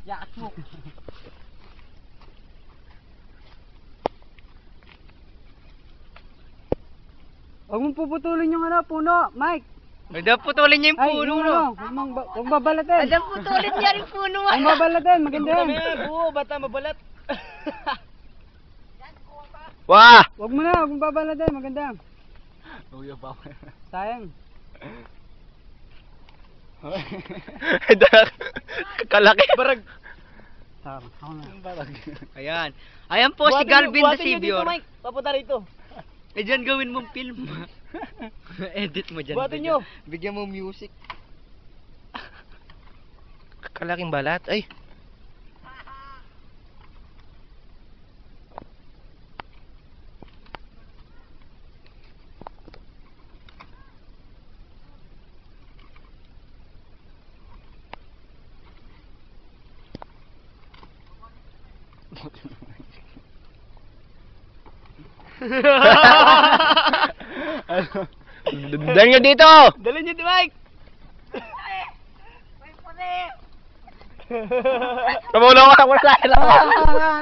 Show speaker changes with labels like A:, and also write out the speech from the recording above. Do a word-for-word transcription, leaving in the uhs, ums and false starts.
A: Yakas mo.
B: Huwag mong puputulin yung ano, puno, Mike.
C: Huwag daw putulin niya yung
B: Ay,
C: puno,
B: yung
C: no?
B: ano, huwag mong ba- huwag babalatin.
C: Huwag daw putulin niya yung puno, ah.
B: Huwag babalatin, maganda yan.
A: Oo, bata mabalat.
C: Wah!
B: Huwag mo na, huwag mong babalatin, maganda yan.
A: Uy, pa.
B: Sayang.
C: Kalaki.
A: Barag.
B: Tama, ako na.
A: Barag.
C: Ayan. Ayan po si Galvin the Savior.
A: Mike. Papunta rito.
C: Eh dyan gawin mong film. Edit mo dyan.
A: Buhatin
C: bigyan-
A: nyo.
C: Bigyan mo music.
D: Kalaking balat. Ay.
C: Dali nyo dito!
A: Dali nyo di Mike.
C: Tumulong ka! Wala lang!